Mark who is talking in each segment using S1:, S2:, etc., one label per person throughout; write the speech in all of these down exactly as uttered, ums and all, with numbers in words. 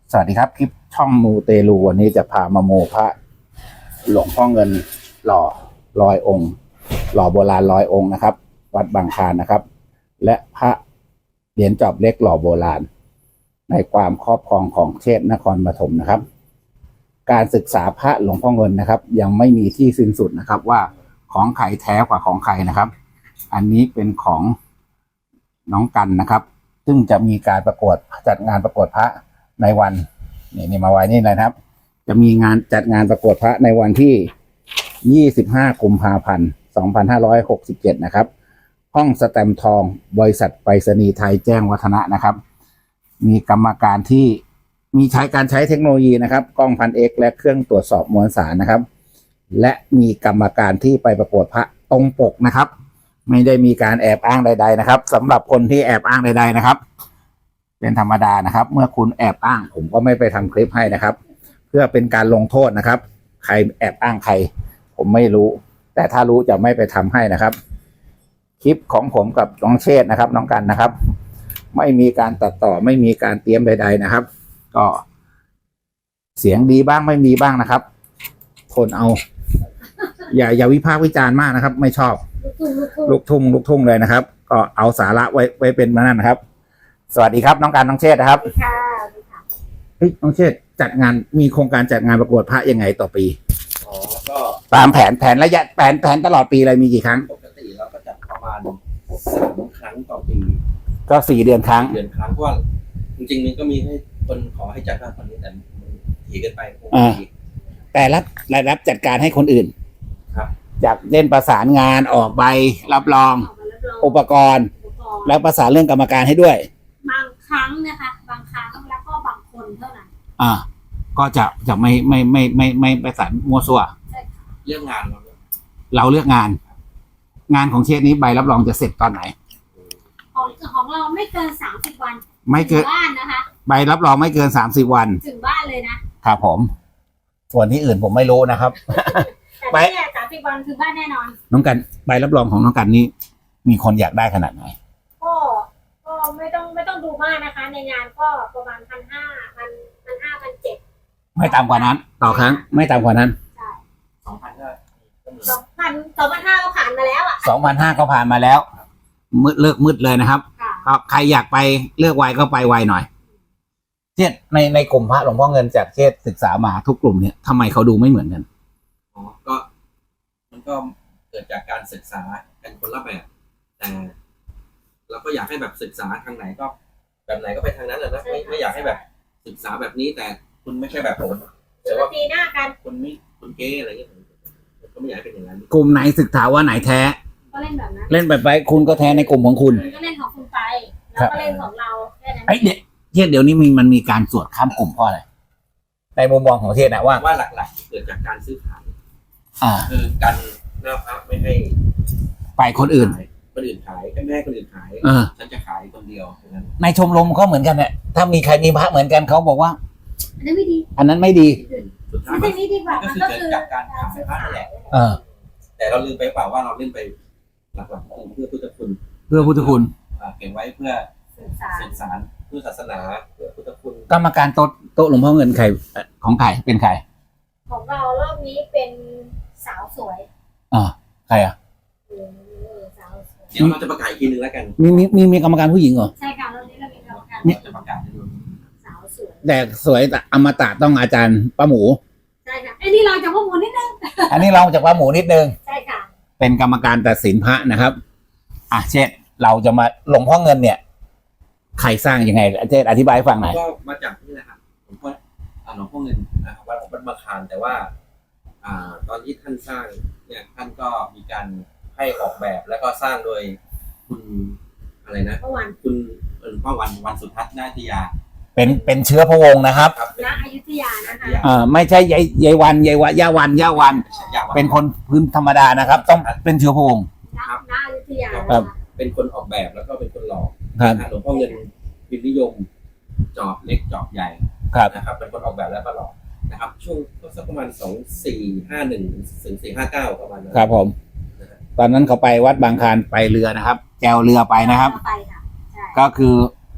S1: สวัสดีครับคลิปช่องมูเตลูวันนี้จะพามาโมพระหลวงพ่อเงินหล่อร้อยองค์หล่อโบราณร้อยองค์นะครับวัดบางคลานนะครับและพระเหรียญจอบเล็กหล่อโบราณในความครอบครองของเชษฐ์นครปฐมนะครับการศึกษาพระหลวงพ่อเงินนะครับยังไม่มีที่สิ้นสุดนะครับว่าของใครแท้กว่าของใครนะครับอันนี้เป็นของน้องกันนะครับซึ่งจะมีการประกวดจัดงานประกวดพระในวันนี่นี่มาไว้นี่เลยครับจะมีงานจัดงานประกวดพระในวันที่ยี่สิบห้ากุมภาพันธ์สองพันห้าร้อยหกสิบเจ็ดนะครับห้องสแตมป์ทองบริษัทไปรษณีย์ไทยแจ้งวัฒนะนะครับมีกรรมการที่มีใช้การใช้เทคโนโลยีนะครับกล้องพันเอ็กซ์และเครื่องตรวจสอบมวลสารนะครับและมีกรรมการที่ไปประกวดพระตรงปกนะครับไม่ได้มีการแอบอ้างใดๆนะครับสำหรับคนที่แอบอ้างใดๆนะครับเป็นธรรมดานะครับเมื่อคุณแอบอ้างผมก็ไม่ไปทำคลิปให้นะครับเพื่อเป็นการลงโทษนะครับใครแอบอ้างใครผมไม่รู้แต่ถ้ารู้จะไม่ไปทำให้นะครับคลิปของผมกับน้องเชษฐ์นะครับน้องกันนะครับไม่มีการตัดต่อไม่มีการเตรียมใดๆนะครับก็เสียงดีบ้างไม่มีบ้างนะครับทนเอาอย่าอย่าวิพากษ์วิจารณ์มากนะครับไม่ชอบลูกทุ่งลูกทุ่งเลยนะครับก็เอาสาระไว้ไว้เป็นมานั่นนะครับสวัสดีครับน้องการน้องเชษฐ์นะครับ
S2: ค่ะ
S1: เฮ้ยน้องเชษฐ์จัดงานมีโครงการจัดงานประกวดพระยังไงต่อปี
S3: อ๋อก็
S1: ตามแผนแผนระยะแผนแผนตลอดปีอะไรมีกี่ครั้ง
S3: ปกติเราก็จัดประมาณสามครั้งต่อปี
S1: ก็สี่เดือนครั้ง
S3: เดือนครั้งเพราะว่าจริงๆมันก็มีให้คนขอให้จัดมากกว่านี้แต่มันถี่เกินไปคงไม่ดี
S1: แต่รับรายรับจัดการให้คนอื่น
S3: ครับ
S1: จากเล่นประสานงานออกใบรับรองอุปกรณ์แล้วประสานเรื่องกรรมการให้ด้วย
S2: บางครั้งนะคะบางครั้งแล้วก็บางคนเท่านั้น
S1: อ่าก็จะจะไม่ไม่ไม่ไม่ไม่ประสานมั่วซั่ว
S3: เรื่องงานเรา
S1: เราเลือกงานงานของเชษนี้ใบรับรองจะเสร็จตอนไหน
S2: ของของเราไม่เกินสามสิบวัน
S1: ไม่เกิน
S2: บ้านนะคะ
S1: ใบรับรองไม่เกินสามสิบวัน
S2: ถึงบ้านเลย
S1: นะครับผมส่วนที่อื่นผมไม่รู้นะครับ
S2: ใบสามสิบวันถึงบ้านแน่นอน
S1: น้องกันใบรับรองของน้องกันนี้มีคนอยากได้ขนาดไหน
S2: ก็ก็ไม่ต้องไม่ต้องดูมากนะคะในงานก็ประมาณพันห้าพันพันห้าพันเจ็ด
S1: ไม่ต่ำกว่านั้นต่อครั้งไม่ต่ำกว่านั้น
S2: ใช่
S3: สองพันก็
S2: สองพันสองพันห้าก็ผ่านมาแล้วอ่ะ
S1: สองพันห้าก็ผ่านมาแล้วมืดเลิกมืดเลยนะครับก็ใครอยากไปเลือกไวก็ไปไวหน่อยเชษในในกลุ่มพระหลวงพ่อเงินจากเชษศึกษามาทุกกลุ่มเนี่ยทำไมเขาดูไม่เหมือนกัน
S3: อ๋อก็มันก็เกิดจากการศึกษากันคนละแบบแต่เราก็อยากให้แบบศึกษาทางไหนก็แบบไหนก็ไปทางนั้นแหละนะไม่ไม่อยากให้แบบศึกษาแบบนี้แต่คุณไม่ใช่แบบผม
S2: แต่ว่าตีหน้ากัน
S3: คุณไม่คุณเก้อะไรเงี้ยก็ไม่อยากให้เป็นอย่างนั้น
S1: กลุ่มไหนศึกษาว่าไหนแท้
S2: ก็เล่นแบบนั้น
S1: เล่นแบบไปคุณก็แท้ในกลุ่มของคุณ
S2: ก็เล่นของคุณไปแล้วก็เล่นของเราแค่นั้น
S1: ไอ้เด็กเทศเดี๋ยวนี้มีมันมีการสวดข้ามกลุ่มเพราะอะไรในมุมมองของเทศนะว่า
S3: ว่าหลักๆเกิดจากการซื้อขาย
S1: อ่า
S3: คือการหน้าพระไม่ให้
S1: ไปคนอื่น
S3: คนอื่นขายไม่ให้คนอื่นขายฉันจะขายคนเดียวนั้น
S1: ในชมรมเขาเหมือนกันเนี่ยถ้ามีใครมีพระเหมือนกันเขาบอกว่า
S2: อันนั้นไม่ดี
S1: อันนั้นไม่ดี
S3: สุดท้าย
S2: มันดีกว่า
S3: ก็คือเกิดจากการขายพระนั่นแหละ
S1: เออ
S3: แต่เราลืมไปเปล่าว่าเราเล่นไปหลักๆเพื่อพุทธคุณ
S1: เพื่อพุทธคุณ
S3: เก็บไว้เพื่อสื่อสารเพื่อศาสนาเพื่อพุทธคุณ
S1: กรรมการโต๊ะโต๊ะหลวงพ่อเงินใครของใครเป็นใคร
S2: ของเรารอบนี้เป็นสาวสวย
S1: อ่าใครอ่ะ
S3: เดี๋ยวเราจะประกาศอีกทีนึงแล้วกัน
S1: มีมีมีมีกรรมการผู้หญิงเหรอ
S2: ใช่ค่ะรอบนี้เรามีกรรมการ
S3: จะประกาศให้ดู
S2: สาวสวย
S1: แต่สวยแต่อมตะต้องอาจารย์ป้าหมู
S2: ใช่ค่ะไอ้นี่เราจากป้าหมูนิดนึง
S1: อันนี้เราจากป้าหมูนิดนึง
S2: ใช่ค่ะ
S1: เป็นกรรมการตัดสินพระนะครับอ่ะเช่นเราจะมาหลวงพ่อเงินเนี่ยใครสร้างยังไงเช่นอธิบายให้ฟังหน่อย
S3: ก็มาจากนี่แหละครับหลวงพ่อหลวงพ่อเงินนะครับวัดวัดบางคลานแต่ว่าอ่าตอนที่ท่านสร้างเนี่ยท่านก็มีการให้ออกแบบแล้วก็สร้างโดยคุณอะไรนะคุณหลวงพ่อวันวันสุทัศน์นาทิยา
S1: เป็นเป็นเชื้อพระวงศ์นะครับ
S2: ณอยุธยานะคะ
S1: อ่าไม่ใช่ยายยายวันยายวะย่าวันย่าวันเป็นคนพื้นธรรมดานะครับต้องเป็นเชื้อพระวงศ์
S2: ณอยุธยา
S1: ครับ
S3: เป็นคนออกแบบแล้วก็เป็นคนหล่อหลวงพ่อเงินพิมพ์นิยมจอบเล็กจอบใหญ่นะครับเป็นคนออกแบบแล้วก็หล่อนะครับช่วงก็สักประมาณสองสี่ห้าหนึ่งถึงสี่ห้าเก้าประมาณนั้น
S1: ครับผมตอนนั้นเขาไปวัดบางคลานไปเรือนะครับแจวเรือไปนะครับก็คือ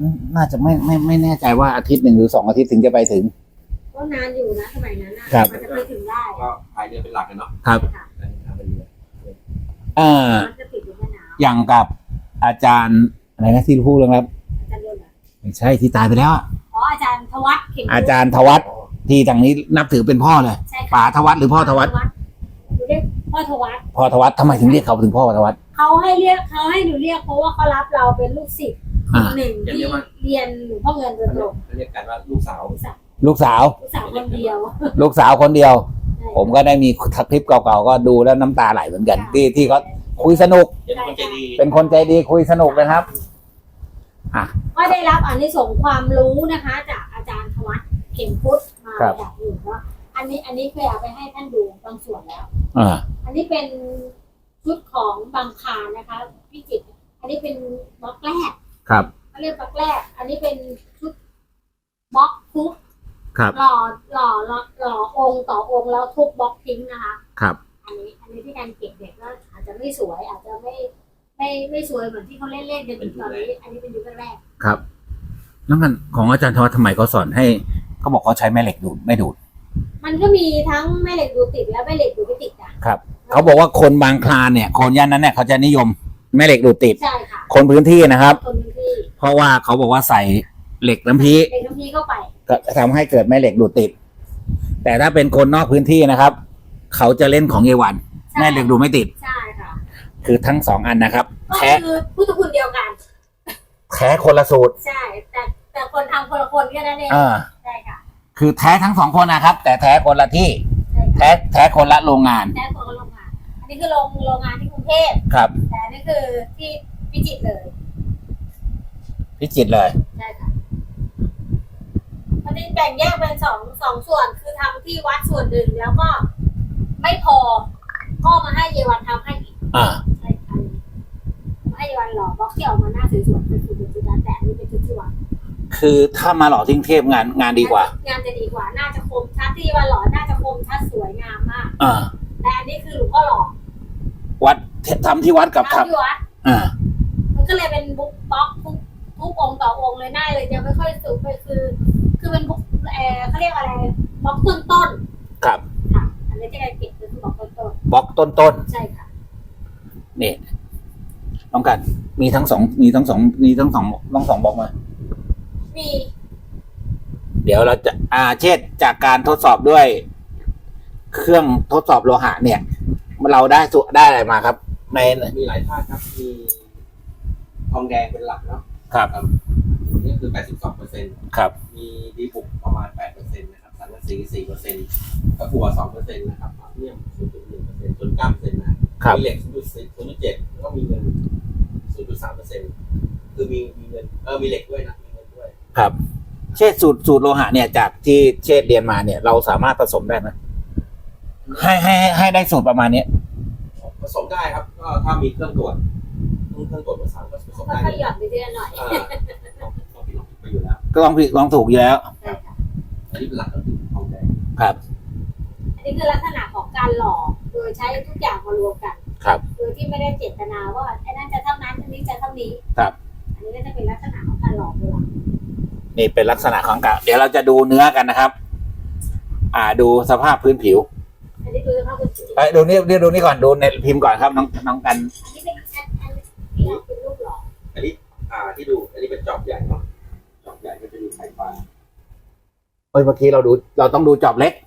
S1: น่าจะไม่ไม่ไม่แน่ใจว่าอาทิตย์หนึ่งหรือสองอาทิตย์ถึงจะไปถึง
S2: ก็นานอยู่นะสมัยนั้นอ่ะ
S1: ครับ
S2: มันจะไปถึงได้
S3: ก็พายเรือเป็นหลักกันเนาะ
S1: ครับ
S2: ค่ะ
S3: ทำเป็นเรือ
S1: เอ่อ
S2: มันจะติดอยู่แม่น้
S1: อย่างกับอาจารย์อะไรนะที่พูดเรื่องครับ
S2: ำอาจารย์เดินเหรอ
S1: ไม่ใช่ที่ตายไปแล้วอะ
S2: อ๋ออาจารย์ธวัฒน์เข่ง
S1: อาจารย์ธวัฒน์ที่ทางนี้นับถือเป็นพ่อเลย
S2: ใช่ค่ะ
S1: ป๋าธวัฒน์หรือพ่อธวัฒน์
S2: หนูเรียกพ่อธวัฒน์
S1: พ่อธวัฒน์ทำไมถึงเรียกเขาถึงพ่อธวัฒน์
S2: เขาให้เรียกเขาให้หนูเรียกเพราะว่าเขารับเราเป็นลูกศิษย์คนหนึ่งที่เรียนหลวงพ่อเงินโดยตรง
S3: เขาเรียกกันว่าลูกสาว
S1: ลูกสาว
S2: ลูกสาวคนเดียว
S1: ลูกสาวคนเดียว
S2: ใช่
S1: ผมก็ได้มีคลิปเก่าๆก็ดูแล้วน้ำตาไหลเหมือนกัน
S2: ค่ะ
S1: ที่ที่เขาคุยสนุก
S3: เป็นคนใจดี
S1: เป็นคนใจดีคุยสนุกนะครับ อ่ะ
S2: ก็ได้รับอานิสงส์ความรู้นะคะ จากอาจารย์ธวัฒน์เข่งพุทธมา
S1: ครับ
S2: จากอื่นว่าอันนี้อันนี้เคยเอาไปให้ท่านดูบางส่วนแล้ว
S1: อ่า
S2: อันนี้เป็นชุดของบางคลานนะคะพี่จิตรอันนี้เป็นบล็อกแรก
S1: ครับ
S2: เขาเรียกบล็อกแรก อันนี้เป็นชุดบล็อกทุบ
S1: ครับ
S2: หล่อหล่อหล่อหล่อองค์ต่อองค์แล้วทุบบล็อกทิ้งนะคะ
S1: ครับ
S2: อันนี้ อันนี้ที่การเก็บเด็กก็อาจจะไม่สวย อาจจะไม่ไม่ไม่สวยเหมือนที่เขาเล่นเล่นๆกันอยู่ตอนนี้ อันนี้เป็นยุคแรก
S1: ครับแล้วมันของอาจารย์ธวัฒน์ทำไมเขาสอนให้เขาบอกเขาใช้แม่เหล็กดูดไม่ดูด
S2: ๆมันก็มีทั้งแม่เหล็กดูดติดและแม่เหล็กดูดไม่ติดอ่ะ
S1: ครับเขาบอกว่าคนบางคลานเนี่ย คนย่านนั้นเนี่ยเขาจะนิยมแม่เหล็กดูดติด
S2: ใช่ค่ะ
S1: คนพื้นที่นะครับ
S2: คนพื้นที่
S1: เพราะว่าเขาบอกว่าใส่เหล็กน้ำพี
S2: เด็กน้ำพีเข้าไป
S1: ก็ทำให้เกิดแม่เหล็กดูดติด แต่ถ้าเป็นคนนอกพื้นที่นะครับ เขาจะเล่นของเยวัน
S2: ใช่
S1: แม่เหล็กดูดไม่ติด
S2: ใช่ค่ะ
S1: คือทั้งสองอันนะครับ
S2: ก็
S1: แท้
S2: คือพุทธคุณเดียวกัน
S1: แท้คนละสูตร
S2: ใช่ แต่แต่คนทำคนละคนแค่นั้นเอง
S1: อ่า
S2: ใช่ค่ะ
S1: คือแท้ทั้งสองคนนะครับ แต่แท้คนละที่
S2: ใช่ค่ะ
S1: แท้แท้คนละโรงงาน
S2: แท้คนละโรงงาน อันนี้คือโรงโรงงานที่กรุงเทพ
S1: ครับ
S2: แต่อันนี้คือที่พิจิตรเลย
S1: พิจิตรเลย
S2: ใช่ค่ะมันจะแบ่งแยกเป็นสองสองส่วน คือทำที่วัดส่วนหนึ่งแล้วก็ไม่พอพ่อมาให้เยวันทำให้อีก
S1: อ่า
S2: ใช่ค่ะมาให้เยวันหล่อบล็อกที่ออกมาหน้าสวยๆเป็นชุดจุดนั้นแต่อันนี้เป็นชุดที่วัด
S1: คือถ้ามาหล่อที่กรุงเทพงานงานดีกว่า
S2: งานจะดีกว่า น่าจะคมชัดที่ว่าหล่อ น่าจะคมชัดสวยงามมาก
S1: อ่า
S2: แต่อันนี้คือหลวงพ่อหล่อ
S1: วัดทำที่วัดกับท
S2: ทำที่วัด
S1: ำอ่า
S2: มันก็เลยเป็นบุ๊กบล็อกทุกทุกองค์ต่อองค์เลยหน้าเลยจะไม่ค่อยสุกไปคือ คือเป็นบุ๊กเออเขาเรียกอะไรบล็อกต้นต้น
S1: ครับ
S2: ๆค่ะ อันนี้ที่การเก็บคือบล็อกต้นต้น
S1: บล็อกต้นต้น
S2: ๆใช่ค่ะ
S1: ๆนี่ต้องกันมีทั้งสองมีทั้งสองมีทั้งสองทั้งสองบล็อกมา
S2: มี
S1: เดี๋ยวเราจะอาเช่นจากการทดสอบด้วย เครื่องทดสอบโลหะเนี่ย เราได้สุได้อะไรมาครับ ใน
S3: มีหลายธาตุครับ มีทองแดงเป็นหลักเนาะ
S1: ครับ
S3: อันนี้คือ แปดสิบสองเปอร์เซ็นต์
S1: ครับ
S3: มีดีบุกประมาณ แปดเปอร์เซ็นต์ นะครับ สังกะสี สี่เปอร์เซ็นต์ ตะกั่ว สองเปอร์เซ็นต์ นะครับอัลเนียม ศูนย์จุดหนึ่งเปอร์เซ็นต์ ส่วนเก้าเปอร์เซ็นต์ นะครับ มีเหล็ก ศูนย์จุดสี่ ศูนย์จุดเจ็ด แล้วก็มีเงิน ศูนย์จุดสามเปอร์เซ็นต์ คือมีมีเงิน เออ มีเหล็กด้วยนะ มีเงินด้วย
S1: ครับ เช่นสูตรสูตรโลหะเนี่ย จากที่เชษเรียนมาเนี่ย เราสามารถผสมได้ไหมให้ให้ให้ให้ได้สูตรประมาณเนี้ย
S3: ผสมได้ครับ ก็ถ้ามีเครื่องตรวจเครื่องเครื่องตรวจภาษาก็ผสม
S2: ก็
S3: ได้
S2: ขยับไปเรื่อยๆหน่อย
S3: เออต้องต้องผิดลองผิดไปอยู่แล้ว
S1: ก็ลองผิดลองถูกอยู่แล้ว
S2: ใช่ค่ะ
S3: อันนี้เป็นหลักก็คือทองแดง
S1: ครับ
S2: อันนี้คือลักษณะของการหล่อโดยใช้ทุกอย่างมารวมกัน
S1: ครับ
S2: โดยที่ไม่ได้เจตนาว่าไอ้นั่นจะเท่านั้นอันนี้จะเท่านี้
S1: ครับ
S2: อันนี้ก็จะเป็นลักษณะของการหล่อตัว
S1: นี่เป็นลักษณะของการเดี๋ยวเราจะดูเนื้อกันนะครับ อ่าดูสภาพพื้นผิว
S2: อันนี้คือสภาพเป็นสี
S1: เอ้ยดูนี่ดูดูนี่ก่อนดูในพิมพ์ก่อนครับน้องน้องกัน
S2: อันนี้เป็นแอดอันนี้เป็นรูปหล่อ
S3: อันนี้ อ่าที่ดู อันนี้เป็นจอบใหญ่เนาะจอบใหญ่ก็จะมีไฟฟ้า
S1: เอ้ยเมื่อกี้เราดูเราต้องดูจอบเล็ก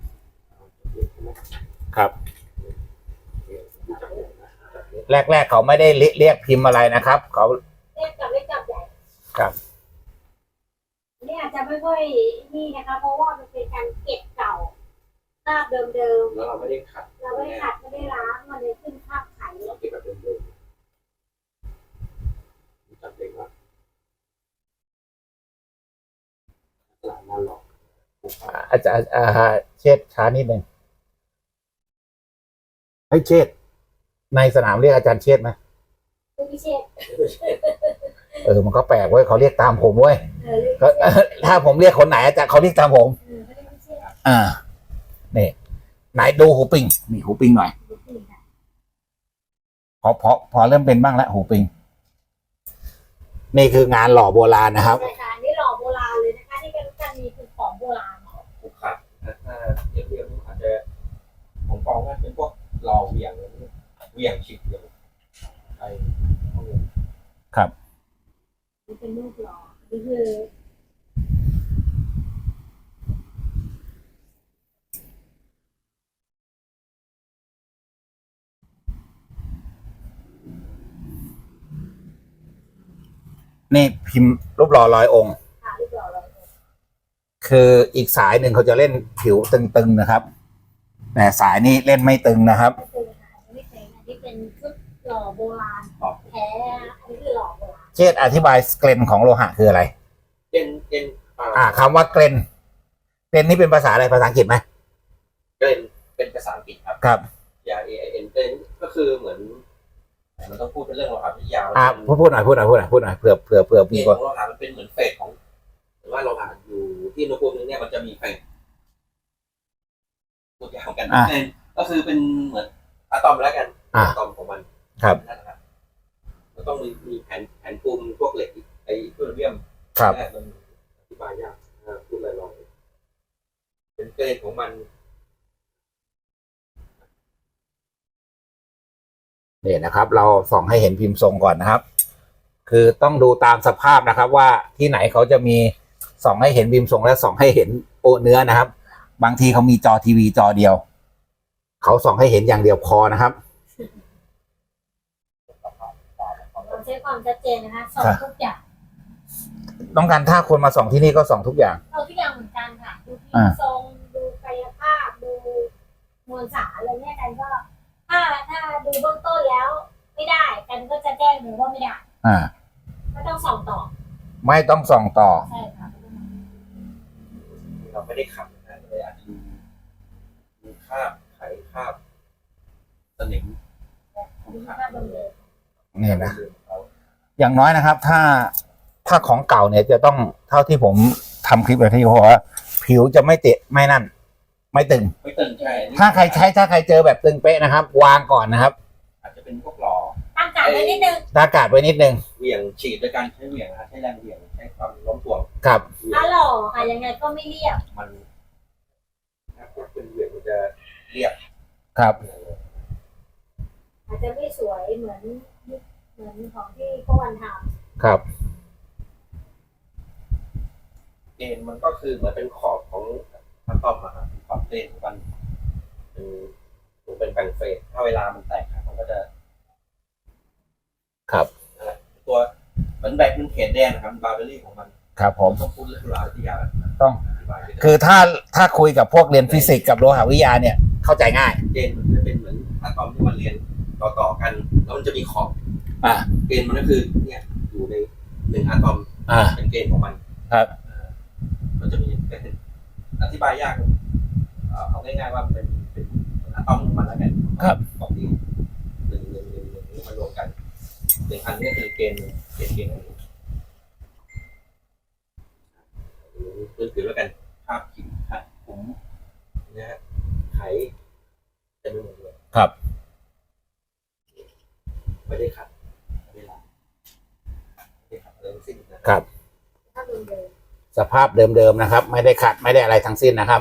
S1: ครับ แรกๆเขาไม่ได้เรียเรียกพิมพ์อะไรนะครับเขา
S2: เรียกกับเล็กกับใหญ่
S1: ครับ
S2: อันนี้อาจจะไม่ค่อยนี่นะคะ เพราะว่ามันเป็นการเก็บเก่าภาพเดิม
S3: แล้วเราไม่ได้ขัด
S2: ๆเราไม่ได้ขัดไม่ได้ล้างมันเลยขึ้นภาพไข
S3: เราเก็บแบบเดิมๆจับเล็กว่าตลาดนั่นหรอก
S1: อาจารย์อ่าเชษช้านิดหนึ่งให้เชษในสนามเรียกอาจารย์เชษไหม
S2: คือพิเชษ
S1: เออมันก็แปลกเว้ยเขาเรียกตามผมเว้ย
S2: เออเรียก
S1: ก็ ถ้าผมเรียกคนไหนอาจารย์เขาเรียกตามผม
S2: เออเขาเรียกพิเชษ
S1: อ่านี่ไหนดูหูปิงนี่หูปิงหน่อย
S2: นี่ค่ะ
S1: พอพอพอเริ่มเป็นบ้างแล้วหูปิงนี่คืองานหล่อโบราณนะครับ
S2: ใช่ค่ะอันนี่หล่อโบราณเลยนะคะที่เป็นกันมีคือของโบราณ
S3: ผูกขาดถ้าเทียบเทียบอาจจะของกองก็เป็นพวกหล่อเหวี่ยงเหวี่ยงฉีกเหวี่ยงไอ้พวกนี้
S1: ครับ
S2: นี่เป็นรูปหล่อนี่คือ
S1: นี่พิมพ์รูปหล่อร้อยองค์
S2: ค่ะรูปหล่อเลย
S1: คืออีกสายหนึ่งเขาจะเล่นผิวตึงๆนะครับ แต่สายนี้เล่นไม่ตึงนะครับ
S2: ก็คือค่ะอันนี้เป็นอันนี้เป็นชุดหล่อโบราณ
S3: ต่อ
S2: แท้อันนี้คือหล่อโบราณ
S1: เชษฐ์อธิบายเกรนของโลหะคืออะไร
S3: เอ็นเอ็น
S1: อ่าคำว่าเกรนเกรนนี่เป็นภาษาอะไรภาษาอังกฤษไหม
S3: เอ็นเป็นภาษาอังกฤษครับ
S1: ครับ
S3: ยา A I N เป็นก็คือเหมือนมันต้องพูดเป็นเรื่องโลหะวิทยา
S1: อ่าพูดพูดหน่อยพูดหน่อยพูดหน่อยพูดหน่อยเผื่อเผื่อเผื่อ
S3: เก
S1: มี
S3: ณฑ์
S1: ค
S3: ข
S1: น
S3: องโลหะมันเป็นเหมือนเฟสของหรือว่าโลหะอยู่ที่อุณหภูมินึงเนี่ยมันจะมีเฟสตัวอย่างกันเป็นก็คือเป็นเหมือนอะตอมแล้วกันอะตอมของมัน
S1: ครับ
S3: นั่นนะครับมันต้องมีมีแผ่นแผ่นปูนพวกเหล็กไอ้พวกเรียม
S1: ครับ
S3: แรกมันอธิบายยากอ่าพูดลอยๆเป็นเกณฑ์ของมัน
S1: นี่นะครับ เราส่องให้เห็นพิมพ์ทรงก่อนนะครับ คือต้องดูตามสภาพนะครับ ว่าที่ไหนเขาจะมีส่องให้เห็นพิมพ์ทรงและส่องให้เห็นโอเนื้อนะครับ บางทีเขามีจอทีวีจอเดียวเขาส่องให้เห็นอย่างเดียวพอนะครับ
S2: เราใช้ความชัดเจนนะคะสอนทุกอย่าง
S1: ต้องการถ้าคนมาส่องที่นี่ก็ส่องทุกอย่าง
S2: เอาทุกอย่างเหมือนกันค่ะดูพิม
S1: อ่า
S2: พ์ทรงดูกายภาพดูมวลสารอะไรเนี่ยกันก็ ถ้าถ้าดูเบื้องต้นแล้ว ไม่ได้กันก็จะแจ้งเลยว่าไม่ได้
S1: อ่า
S2: ก็ต้องส่องต่อ
S1: ไม่ต้องส่องต่อ
S2: ใช่ค่ะ
S3: เราไม่ได้ขับนะเลยอาจจะมีมีคราบไขคราบสนิม
S2: ดูภาพเดิม
S1: นี่นะ อย่างน้อยนะครับ ถ้าถ้าของเก่าเนี่ยจะต้องเท่าที่ผมทำคลิปไปที่บอกว่าผิวจะไม่เตะไม่นั่น ไม่ตึง
S3: ไม่ตึงใช่อันนี้
S1: ถ้าใครใช้ถ้าใครเจอแบบตึงเป๊ะนะครับ วางก่อนนะครับ
S3: อาจจะเป็นพวกหล่อ
S2: ๆตั้งการไว้นิดนึง
S1: ตากาดไว้นิดนึง
S3: เหวี่ยงฉีดโดยการใช้เหวี่ยงนะใช้แรงเหวี่ยงใช้ความโน้มถ่วง
S1: ครับ
S3: เหวี่ย
S2: ถ้าง หล่อค่ะยังไงก็ไม่เรียบ
S3: มันถ้าพวกเป็นเหวี่ยงมันจะเรียบ
S1: ครับ
S2: อาจจะไม่สวยเหมือนเหมือนของที่พวกวันท
S1: ครับ
S3: เกณฑ์มันก็คือเหมือนเป็นขอบของอะตอมอะครับขอบเกณฑ์ของมันเป็นมันเป็นแบ่งเฟสถ้าเวลามันแตกอะมันก็จะ
S1: ครับ
S3: นั่นแหละตัวเหมือนแบกมันเขนแดงนะครับบาร์เบอรี่ของมัน
S1: ครับผม
S3: ต้องพูดเรื่องราววิทยา
S1: ต้อง
S3: อธิบายด้วยนะ
S1: คือถ้าถ้าคุยกับพวกเรียนฟิสิกส์กับโลหะวิทยาเนี่ย เข้าใจง่าย
S3: เกณฑ์มันจะเป็นเหมือนอะตอมที่มันเรียนต่อๆกันแล้วมันจะมีขอบ
S1: อ่า
S3: เกณฑ์มันก็คือเนี่ยอยู่ในหนึ่งอะตอม
S1: อ่า
S3: เป็นเกณฑ์ของมัน
S1: ครับ
S3: เอ่อมันจะมีเป็นอธิบายยากเอ่อเอาง่ายๆว่าเป็นเป็นอะตอมของมันแล้วกัน
S1: ครับ
S3: ขอบนี้หนึ่งหนึ่งหนึ่งหนึ่งนี้มารวมกันหนึ่งอันนี้คือเกณฑ์เกณฑ์เกณฑ์อันนี้พื้นผิวแล้วกันภาพผิวครับผมนะฮะไขเต็มไปหมดเลย
S1: ครับ
S3: ไม่ได้ขัดไม่ได้ล้างไม่ได้ขัดอะไรทั้งสิ้นนะครับ
S2: ำถ้าเดิม
S1: สภาพเดิมๆนะครับ ไม่ได้ขัดไม่ได้อะไรทั้งสิ้นนะครับ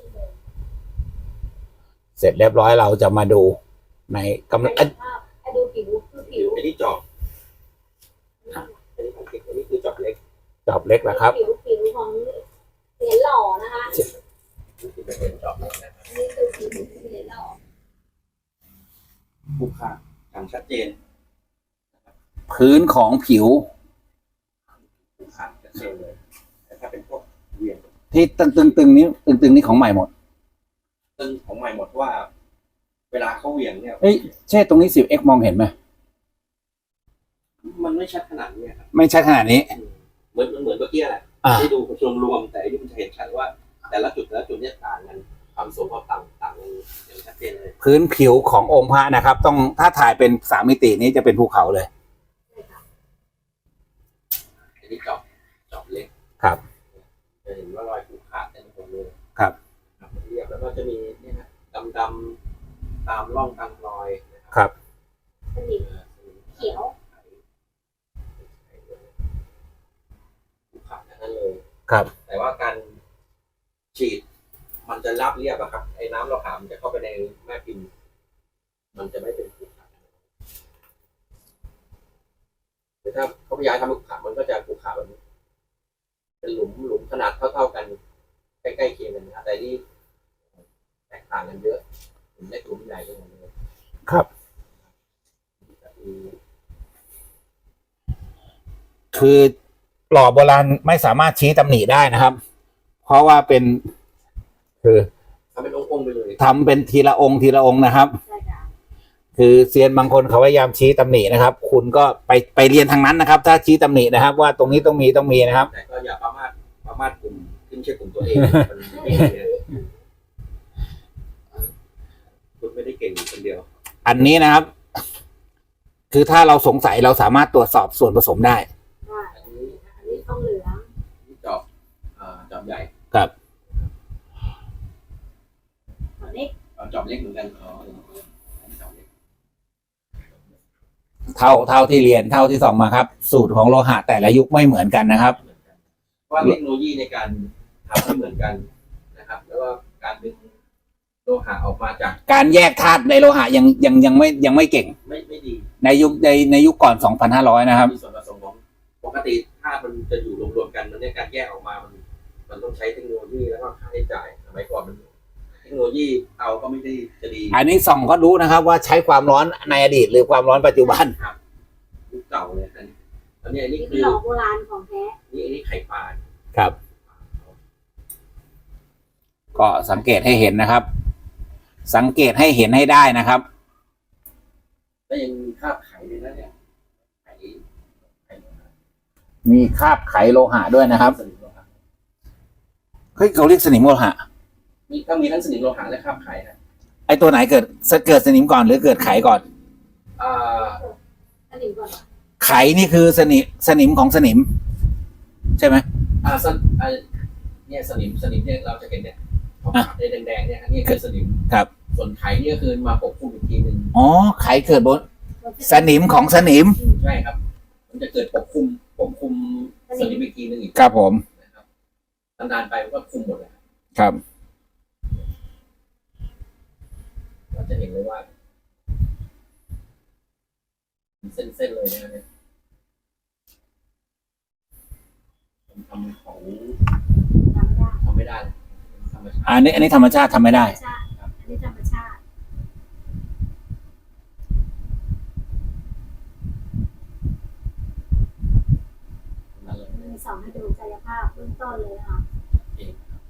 S1: เสร็จเรียบร้อยเราจะมาดูในกำลัง
S2: ภาพให้ดูผิวคือผิว
S3: อันนี้จอบอันนี้ของเก็บอันนี้คือจอบเล็ก
S1: จอบเล็กนะครับ
S2: ผิวผิวของเหรียญหล่อนะคะ
S3: นี่คือเป็นจอบเล็กนะครับ
S2: อันนี้คือผิวเหรียญหล่อ
S3: ผู้ค่าอย่างชัดเจน
S1: พื้นของผิว
S3: ผู้ค่าชัดเจนเลยแต่ถ้าเป็นพวกเหวียง
S1: ที่ตึงตึงตึงๆนี้ตึงตึงๆนี้ของใหม่หมด
S3: ซึ่งของใหม่หมดว่า เวลาเขาเหวียงเนี่ย
S1: เอ้ยเช่ตรงนี้ สิบเอ็กซ์ มองเห็นไหม
S3: มันไม่ชัดขนาดนี้ครับ
S1: ไม่ใช่ขนาดนี้
S3: เหมือนมันเหมือนเมื่อกี้แหละ
S1: อ่า
S3: ให้ดูรวมรวมๆแต่อันนี้มันจะเห็นชัดว่า แต่ละจุดแต่ละจุดเนี่ยต่างกันความสูงความต่างต่างกันอย่างชัดเจนเลย
S1: พื้นผิวขององค์พระนะครับ ต้องถ้าถ่ายเป็นสามมิตินี้จะเป็นภูเขาเลย
S3: อันนี้จอบจอบเล็ก
S1: ครับ
S3: จะเห็นว่ารอยผูกขาดเต็มไปหมดเลย
S1: ครับ
S3: ครับเรียบแล้วก็จะมีเนี่ยนะดำดำๆตามร่องตามรอยนะ
S1: ครับ
S2: สนิมเขียว
S3: เ
S1: ครับ
S3: แต่ว่าการฉีดมันจะราบเรียบอะครับไอ้น้ำเราหามันจะเข้าไปในแม่พิมพ์มันจะไม่เป็นขรุขระแต่ถ้าเขาพยายามทำขรุขระมันก็จะขรุขระแบบนี้เป็นหลุมหลุมขนาดเท่าๆกันใกล้ๆเคียงกันนะแต่นี่แตกต่างกันเยอะหลุมเล็กหลุมใหญ่กันหมดเลย
S1: ครับ คือหล่อโบราณไม่สามารถชี้ตำหนิได้นะครับ เพราะว่าเป็น คือ
S3: ทำเป็นองค์ๆไปเลย
S1: ทำเป็นทีละองค์ทีละองค์นะครับ
S2: ใช่ค่ะ
S1: คือเซียนบางคนเขาพยายามชี้ตำหนินะครับ คุณก็ไปไปเรียนทางนั้นนะครับ ถ้าชี้ตำหนินะครับ ว่าตรงนี้ต้องมีต้องมีนะครับ
S3: แต่ก็อย่าประมาทประมาทกลุ่มขึ้นเชื่อกลุ่มตัวเองมันไม่ดีนะคุณไม่ได้เก่งอยู่คนเดียว
S1: อันนี้นะครับ คือถ้าเราสงสัยเราสามารถตรวจสอบส่วนผสมได้
S2: ว่า
S3: อันนี้
S2: อันนี้ต้องเหลือง
S3: จอบอ่าจอบใหญ่
S1: ครับ
S2: อันนี้
S3: เอาจอบเล็กเหมือนกันอ๋ออันนี้จอบเล็ก
S1: เท่าเท่าที่เรียนเท่าที่ส่องมาครับ สูตรของโลหะแต่ละยุคไม่เหมือนกันนะครับ
S3: เหมือนกันเพราะว่าเทคโนโลยีในการทำไม่เหมือนกันนะครับ แล้วก็การดึงโลหะออกมาจาก
S1: การแยกธาตุในโลหะยังยังยังไม่ยังไม่เก่ง
S3: ไม่ไม่ดี
S1: ในยุคในในยุคก่อน สองพันห้าร้อย นะครับ
S3: มีส่วนผสมของปกติธาตุมันจะอยู่รวมๆกันมันเนี่ยการแยกออกมามันมันต้องใช้เทคโนโลยีแล้วก็ค่าใช้จ่ายสมัยก่อนมันเทคโนโลยีเอาก็ไม่ได้จะดี
S1: อันนี้ส่องก็รู้นะครับ ว่าใช้ความร้อนในอดีตหรือความร้อนปัจจุบัน
S3: ครับยุคเก่าเลยอันนี้อันนี้อันนี้
S2: นี่
S3: คื
S2: คือ
S3: อ
S2: หล่อโบราณของแท้
S3: นี่อันนี้ไข่ปลา
S1: ครับ ก็สังเกตให้เห็นนะครับ สังเกตให้เห็นให้ได้นะครับ
S3: แล้วยังมีคราบไข่เลยนะเนี่ยไข่ไข่
S1: มีคราบไขโลหะด้วยนะครับ
S3: สนิมโลหะ
S1: เฮ้ยเขาเรียกสนิมโลหะ
S3: มีก็มีทั้งสนิมโลหะและคราบไข่นะ
S1: ไอตัวไหนเกิดเกิดสนิมก่อนหรือเกิดไขก่อน
S3: อ่า
S2: อันนี้ก่อน
S1: ไขนี่คือสนิมสนิมของสนิม ใช่ไหม
S3: อ่าสนอ่าเนี่ยสนิมสนิมเนี่ยเราจะเห็นเนี่ยขาวๆเนี่ยแดงๆเนี่ยอันนี้คือสนิม
S1: ครับ
S3: ส่วนไข่เนี่ยคือมาปกคลุมอีกทีหนึ่ง
S1: อ๋อไขเกิดบนสนิมของสนิม
S3: ใช่ครับ มันจะเกิดปกคลุมปกคลุมสนิมอีกทีหนึ่งอีก
S1: ครับผม
S3: นะครับนานๆไปมันก็คลุมหมดเลย
S1: ครับ
S3: เราจะเห็นเลยว่าเส้นๆเลยนะเนี่ยทำของ
S2: ทำไม่ได้
S3: ทำไม่ได้เลยธรรมชาติ
S1: อันนี้อันนี้ธรรมชาติทำไม่ได้
S2: ธรรมชาติอันนี้ธรรมชาติ
S3: นั่นเลย
S2: มีสองให้ดูกายภาพเบื้องต้นเลยนะคะ
S3: เองครับ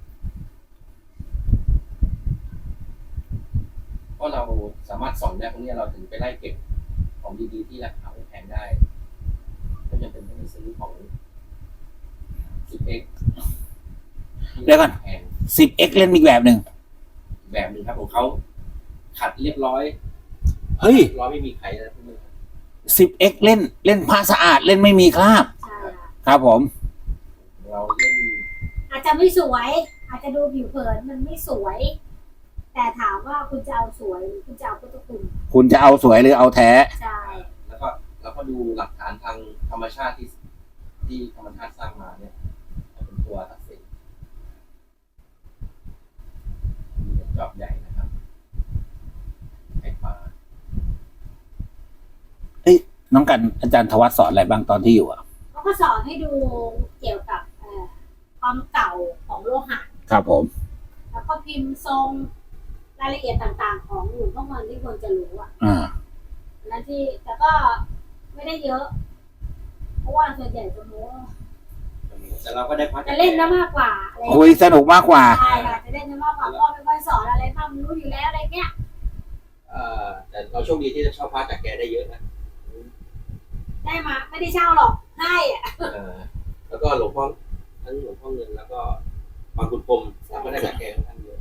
S3: เพราะเราสามารถสอนได้พวกนี้เราถึงไปไล่เก็บของดีๆที่ราคาไม่แพงได้ก็ยังเป็นต้องไปซื้อของ สิบเอ็กซ์
S1: เดี๋ยวก่อน
S3: แพง
S1: สิบเอ็กซ์ เล่นอีกแบบหนึ่ง
S3: แบบหนึ่งครับของเขาขัดเรียบร้อย
S1: เฮ้ย
S3: เรียบร้อยไม่มีไขนะพวกนี้
S1: สิบเอ็กซ์ เล่นเล่นผ้าสะอาดเล่นไม่มีคราบ
S2: ใช่ค่ะ
S1: ครับผม
S3: เราเล่น
S2: อาจจะไม่สวย อาจจะดูผิวเผินมันไม่สวย แต่ถามว่าคุณจะเอาสวยหรือคุณจะเอาพุทธคุณ
S1: คุณจะเอาสวยหรือเอาแท้
S2: ใช่
S3: แล้วก็แล้วก็ดูหลักฐานทางธรรมชาติที่ที่ธรรมชาติสร้างมาเนี่ยเป็นตัวตัดสินนี่เป็นจอบใหญ่นะครับไข่ปลา
S1: น้องกันอาจารย์ธวัฒน์สอนอะไรบ้างตอนที่อยู่อ่ะ
S2: เขาก็สอนให้ดูเกี่ยวกับเอ่อความเก่าของโลหะ
S1: ครับผม
S2: แล้วก็พิมพ์ทรงรายละเอียดต่างๆ ของหลวงพ่อเงินที่ควรจะรู้อ่ะ
S1: อ่า
S2: อันนั้นที่แต่ก็ไม่ได้เยอะ เพราะว่าส่วนใหญ่จะโม้
S3: แต่เราก็ได้พัฒ
S2: จะเล่นได้มากกว่าอะไร
S1: คุยสนุกมากกว่า
S2: ใช่ค่ะจะเล่นได้มากกว่าพ่อเป็นคนสอนอะไรทำรู้อยู่แล้วอะไรเงี้ย
S3: เอ่อแต่เราโชคดีที่จะเช่าพระจากแกได้เยอะนะ
S2: ได้มาไม่ได้เช่าหรอกให้อ่ะ
S3: เอ่อแล้วก็หลวงพ่อทั้งหลวงพ่อเงินแล้วก็บางคุณพรมเราก็ได้จากแกค่อนข้างเยอะ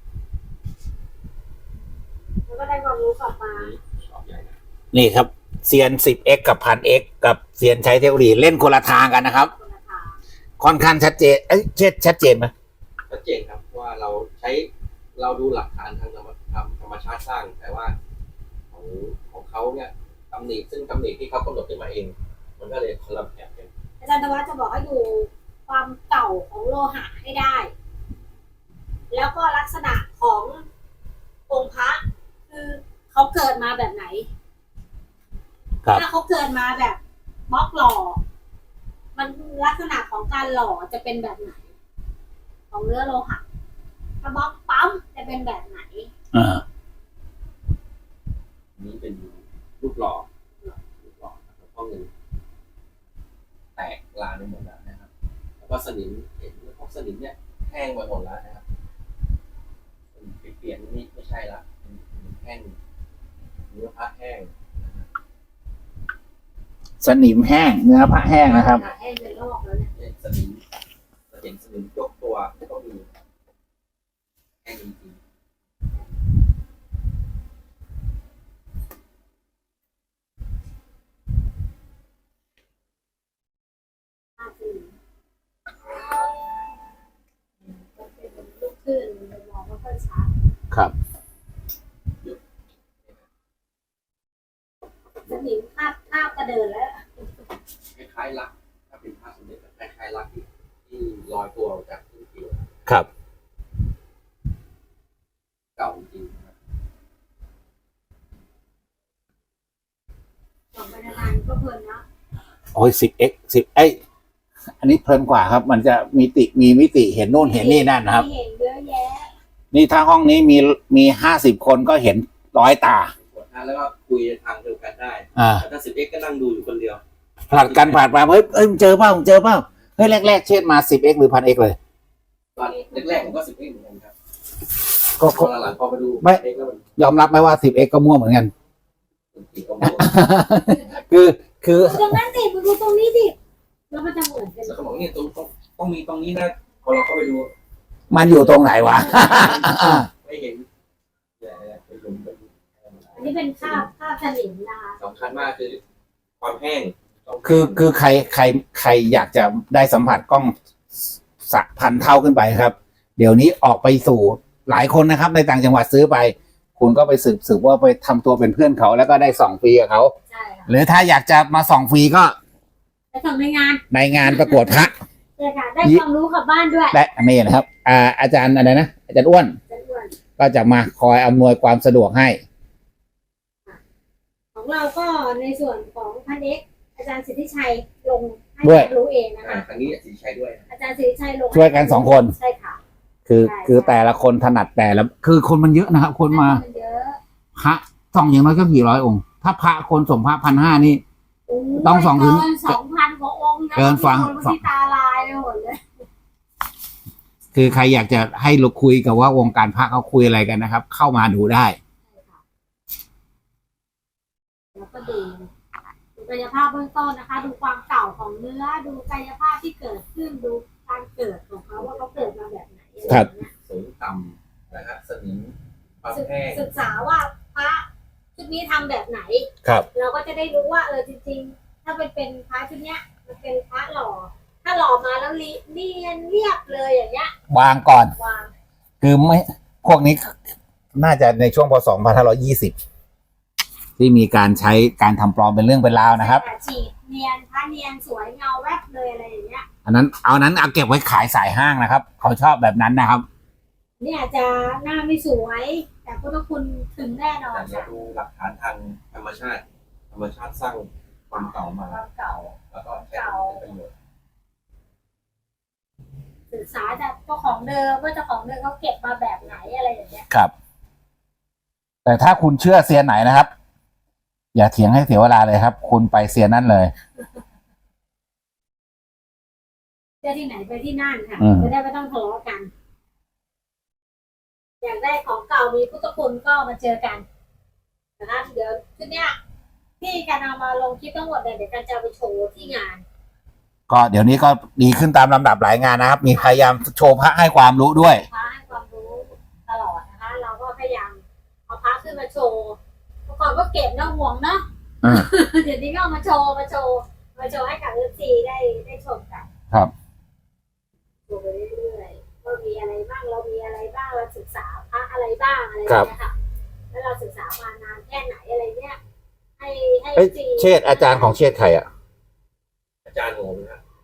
S2: แล้วก็ได้ความรู้กลับมา
S3: ชอบใหญ่นะ
S1: นี่ครับเซียน สิบเอ็กซ์ กับ พันเอ็กซ์ กับเซียนใช้เทคโนโลยีเล่นคนละทางกันนะครับ
S2: คนละทาง
S1: ค่อนข้างชัดเจนเอ้ยเช็ดชัดเจนไหม
S3: ชัดเจนครับว่าเราใช้เราดูหลักฐานทางธรรมธรรมธรรมชาติสร้าง แต่ว่าของของเขาเนี่ยตำหนิซึ่งตำหนิที่เขากำหนดขึ้นมาเอง มันก็เลยคนละแบบกัน
S2: อาจารย์ธวัฒน์จะบอกให้ดูความเก่าของโลหะให้ได้ แล้วก็ลักษณะขององค์พระคือเขาเกิดมาแบบไหน
S1: ครับ
S2: ถ้าเขาเกิดมาแบบบล็อกหล่อ มันลักษณะของการหล่อจะเป็นแบบไหน ของเนื้อโลหะถ้าบล็อกปั๊มจะเป็นแบบไหน
S1: อ่า
S3: นี้เป็นรูปหล่อรูปหล่อหลวงพ่อเงินแตกลานไปหมดแล้วนะครับแล้วก็สนิมเห็นพวกสนิมเนี่ยแห้งไปหมดแล้วนะครับเปลี่ยนนี่ไม่ใช่ละแห้งเนื้อผ้าแห้ง
S1: สนิมแห้งเนื้อพระแห้งนะครับ
S2: แห้งเป็นลอกแล้วเนี่ย
S3: เนี่ยสนิมเราเห็นสนิมยกตัวก็มีแห้งจริง
S2: ภาพอื่นก็เป็นลูกคลื่นมองไม่ค่อยชัด
S1: ครับ
S2: สนิมคาบคาบกระเดินแล้ว
S3: คล้ายๆลักถ้าเป็นผ้าสมเด็จคล้ายๆลักที่ที่ลอยตัวออกจากพื้นผิว
S1: ครับ
S3: เก่าจริงๆนะครับ
S2: สองบรรณาการก็เพลินนะ
S1: โอ้ยสิบเอ็กสิบไออันนี้เพลินกว่าครับ มันจะมีติมีมิติเห็นโน่นเห็นนี่นั่นนะครับ
S2: เห็นเยอะแยะ
S1: นี่ถ้าห้องนี้มีมีห้าสิบคนก็เห็นร้อยตา
S3: กดนะแล้วก็คุยทางเดียวกันได้
S1: อ่า
S3: แต่ถ้าสิบเอ็กก็นั่งดูอยู่คนเดียว
S1: ผลัดกันผ่านมาเฮ้ยเอ้ยมึงเจอเปล่ามึงเจอเปล่าเฮ้ยแรกๆเช่นมาสิบเอ็กหรือพันเอ็กเลย
S3: ตอนแรกๆผมก็สิบเอ็กเหมือนกันครับ
S1: ก็
S3: พอหลังๆพอไปดู
S1: ไม่
S3: เอ็กแล้วมัน
S1: ยอมรับไหมว่าสิบเอ็กก็มั่วเหมือนกัน
S3: มันติดกับหัว
S1: คือคือ
S2: ตรงนั้นดิมึงดูตรงนี้ดิแล้วมันจะเหมือนกัน
S3: แล้วเขาบอกเนี่ยตรงต้องต้องมีตรงนี้นะพอเราเข้าไปดู
S1: มันอยู่ตรงไหนวะ
S3: ไม่เห็นเนี่ยไปหลุมไปดู
S2: อันนี้เป็นคาบคาบสนิมนะคะ
S3: สำคัญมากคือความแห้งต้อง
S1: คือคือใครใครใครอยากจะได้สัมผัสกล้องสักพันเท่าขึ้นไปครับ เดี๋ยวนี้ออกไปสู่หลายคนนะครับ ในต่างจังหวัดซื้อไป คุณก็ไปสืบสืบว่าไปทำตัวเป็นเพื่อนเขาแล้วก็ได้ส่องฟรีกับเขา
S2: ใช่ค่ะ
S1: หรือถ้าอยากจะมาส่องฟรีก็
S2: ไปส่งในงาน
S1: ในงานประกวดพระ
S2: ใช่ค่ะได้ความรู้กลับบ้านด้วย
S1: และนี่นะครับ อ่า อาจารย์อะไรนะอาจารย์อ้วน
S2: จะอ้วน
S1: ก็จะมาคอยอำนวยความสะดวกให้
S2: ของเราก็ในส่วนของพันเอกอาจารย์สิทธิชัยลงให้
S1: ด้วย
S2: ความรู้เองนะ
S3: อ่า
S2: คะ
S3: ทางนี้สีชัยด้วย
S2: อาจารย์สิทธิชัยลง
S1: ช่วยกันสองคน
S2: ใช่ค่ะ
S1: คือ
S2: ใช่
S1: คือแต่ละคนถนัดแต่ละคือคนมันเยอะนะครับ คนมา
S2: เยอะ
S1: พระส่องอย่างน้อยก็กี่ร้อยองค์ ถ้าพระคนส่งพระพันห้านี่
S2: โย
S1: ต้องสองถึง
S2: เกินสองพันกว่าองค์นะ
S1: เกินฟัง
S2: คนที่ตาลายไปหมดเลย
S1: คือใครอยากจะให้เราคุยกับว่าวงการพระเขาคุยอะไรกันนะครับ เข้ามาดูได้
S2: แล้วก็ดูดูกายภาพเบื้องต้นนะคะ ดูความเก่าของเนื้อ ดูกายภาพที่เกิดขึ้น ดูการเกิดของเขาว่าเขาเกิดมาแบบไหนอะไร
S1: ครับ
S2: อย่างเงี้ย
S3: สูงต่ำนะฮะสนิมความ
S2: ศึก
S3: แห้ง
S2: ศึกษาว่าพระชุดนี้ทำแบบไหน
S1: ครับ
S2: เราก็จะได้รู้ว่าเออจริงๆ ถ้าเป็นเป็นพระชุดเนี้ย มันเป็นพระหล่อ ถ้าหล่อมาแล้วลิเนียนเรียบเลยอย่างเงี้ยว
S1: างก่อน
S2: วาง
S1: คือไม่พวกนี้น่าจะในช่วงพศสองพันห้าร้อยยี่สิบที่มีการใช้การทำปลอมเป็นเรื่องเป็นราวนะครับ
S2: แต่ฉีดเนียนพระเนียนสวยเงาแวบเลยอะไรอย่างเงี้ย
S1: อันนั้นเอานั้นเอาเก็บไว้ขายสายห้างนะครับ เขาชอบแบบนั้นนะครับ
S2: เนี่ยอาจจะหน้าไม่สวย แต่พุทธคุณถึงแน่นอน
S3: แต่เรา
S2: ค่ะ
S3: ดูหลักฐานทางธรรมชาติ ธรรมชาติสร้างความเก่ามา
S2: ความเก่า
S3: แล้วก็ใช้เป็นประโยชน์
S2: ศึกษาจากเจ้าของเดิมว่าเจ้าของเดิมเขาเก็บมาแบบไหนอะไรอย่างเงี้ย
S1: ครับ แต่ถ้าคุณเชื่อเซียนไหนนะครับ อย่าเถียงให้เสียเวลาเลยครับ คุณไปเซียนนั่นเลย
S2: เจ้าที่ไหนไปที่นั่นค่ะ
S1: อืม
S2: จะได้ไม่ต้องทะเลาะกัน อยากได้ของเก่ามีพุทธคุณก็มาเจอกันนะคะเดี๋ยวชุดเนี้ยที่การเอามาลงคลิปทั้งหมดเนี่ยเดี๋ยวการจะเอาไปโชว์ที่งาน
S1: ก็เดี๋ยวนี้ก็ดีขึ้นตามลำดับหลายงานนะครับ มีพยายามโชว์พระให้ความรู้ด้วย
S2: พระให้ความรู้ตลอดนะคะ เราก็พยายามเอาพระขึ้นมาโชว์เมื่อก่อนก็เก็บนะห่วงเนาะ
S1: อืม
S2: เดี๋ยวนี้ก็เอามาโชว์มาโชว์มาโชว์ให้กับเอฟซีได้ได้ชมกัน
S1: ครับ
S2: โชว์ไปเรื่อยๆว่ามีอะไรบ้างเรามีอะไรบ้างเราศึกษาพระอะไรบ้างอะไรอย่างเงี้ยค่ะแล้วเราศึกษามานานแค่ไหนอะไรเนี้ยให้ให้
S1: เอ้ย
S2: ซี
S1: เชษฐ์อาจารย์ของเชษฐ์ใครอ่ะ
S3: อาจารย์โงงนะ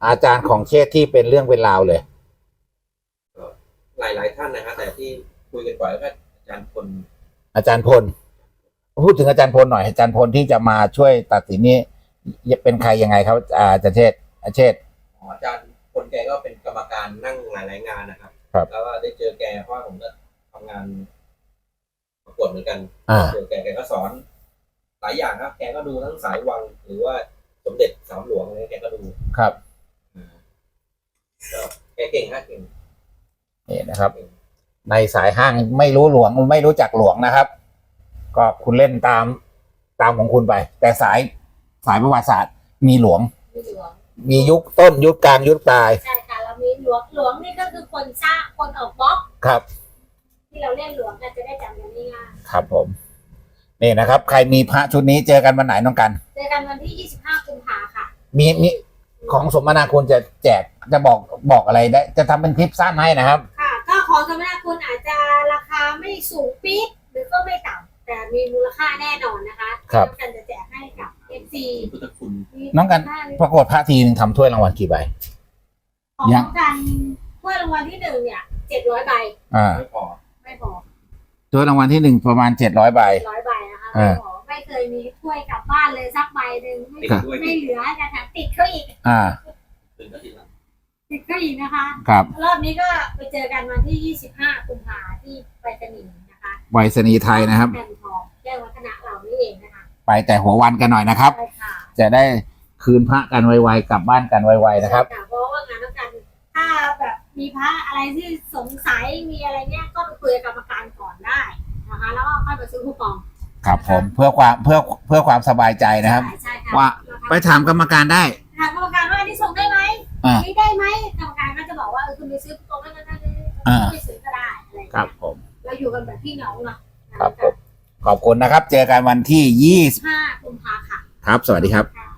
S1: อาจารย์ของเชษฐ์ที่เป็นเรื่องเป็นราวเลย
S3: หลายหลายๆท่านนะฮะแต่ที่คุยกันบ่อยก็อาจารย์พล
S1: อาจารย์พลพูดถึงอาจารย์พลหน่อยอาจารย์พลที่จะมาช่วยตัดสินนี้เป็นใครยังไงครับอาจารย์เชษฐ์อาเชษฐ์
S3: อ๋ออาจารย์พลแกก็เป็นกรรมการนั่งหลายๆงานนะครับ
S1: ครับ
S3: แล้วก็ได้เจอแกเพราะว่าผมก็ทำงานประกวดเหมือนกัน
S1: อ่า
S3: เจอแกแกก็สอนหลายอย่างครับ แกก็ดูทั้งสายวังหรือว่าสมเด็จสามหลวงอะไรแกก็ดู
S1: ครับ
S3: อ่าก็แกเก่งครับเก่ง
S1: นี่นะครับ ในสายห้างไม่รู้หลวงไม่รู้จักหลวงนะครับ ก็คุณเล่นตามตามของคุณไป แต่สายสายประวัติศาสตร์มีหลวง
S2: มีหลวง
S1: มียุคต้นยุคกลางยุคปลาย
S2: ใช่ค่ะเรามีหลวงหลวงนี่ก็คือคนสร้างคนออกบล็อก
S1: ครับ
S2: ที่เราเรียกหลวงกันจะได้จำกันง่าย
S1: ครับผมนี่นะครับ ใครมีพระชุดนี้เจอกันวันไหนน้องกัน
S2: ๆเจอกันวันที่ยี่สิบห้ากุมภาค่ะ
S1: มีมีของสมนาคุณจะแจกจะบอกบอกอะไรได้ จะทำเป็นคลิปสั้นให้นะครับ
S2: ค่ะก็ของสมนาคุณอาจจะราคาไม่สูงปี๊ดหรือก็ไม่ต่ำแต่มีมูลค่าแน่นอนนะคะ
S1: ครับ
S2: น้องกันจะแจกให้กับ เอฟ ซี
S3: พุทธคุณ
S1: น้องกัน ประกวดพระทีนึงทำถ้วยรางวัลกี่ใบ
S2: ของ
S1: ยัง
S2: น้องกันถ้วยรางวัลที่หนึ่งเนี่ยเจ็ดร้อยใบ
S1: อ่า
S3: ไม่พอ
S2: ไม่พอ
S1: ถ้วยรางวัลที่หนึ่งประมาณเจ็ดร้อยใบ
S2: ร้อยใบนะคะ
S1: อ่า
S2: ไม่พอไม่เคยมีถ้วยกลับบ้านเลยสักใบหนึ่งไม่
S3: ติดด้วย
S2: ไม่เหลือจะแถมติดเขาอีก
S1: อ่า
S3: ตื่นก็ติดแล้ว
S2: ติดเขาอีกนะคะ
S1: ครับ
S2: รอบนี้ก็ไปเจอกันวันที่ยี่สิบห้ากุมภาที่ไปสนีย์นะคะ
S1: ไวษณีย์ไทยนะครับ
S2: แผ่นทองแก้ววัฒนะเรานี่เองนะคะ
S1: ไปแต่หัววันกันหน่อยนะครับ
S2: ใช่ค่ะ
S1: จะได้คืนพระกันไวๆกลับบ้านกันไวๆนะครับ
S2: ใช่เพราะว่างานต้องการถ้าแบบมีพระอะไรที่สงสัยมีอะไรเนี้ยก็ไปคุยกับกรรมการก่อนได้นะคะแล้วก็ค่อยไปซื้อคูปอง
S1: ครับผมเพื่อความเพื่อเพื่อความสบายใจนะครับ
S2: ใช่ใช่ค่ะ
S1: ว่าไปถามกรรมการได้
S2: ถามกรรมการว่าอันนี้ส่งได้ไหม
S1: อ่า
S2: อันนี้ได้ไหมกรรมการก็จะบอกว่าเออคุณไปซื้อคูปองนั้นนั้นนั้น
S1: อ่า
S2: ไปซื้อก็ได้อะไรอย่าง
S1: ครั
S2: เงี้
S1: บ
S2: ย
S1: ผม
S2: เราอยู่กันแบบพี่น้องเนาะ
S1: ครับผมขอบคุณนะครับ เจอกันวันที่ยี่สิบ
S2: ห้ากุมภาค่ะ
S1: ครับ สวัสดีครับ
S2: ค่ะ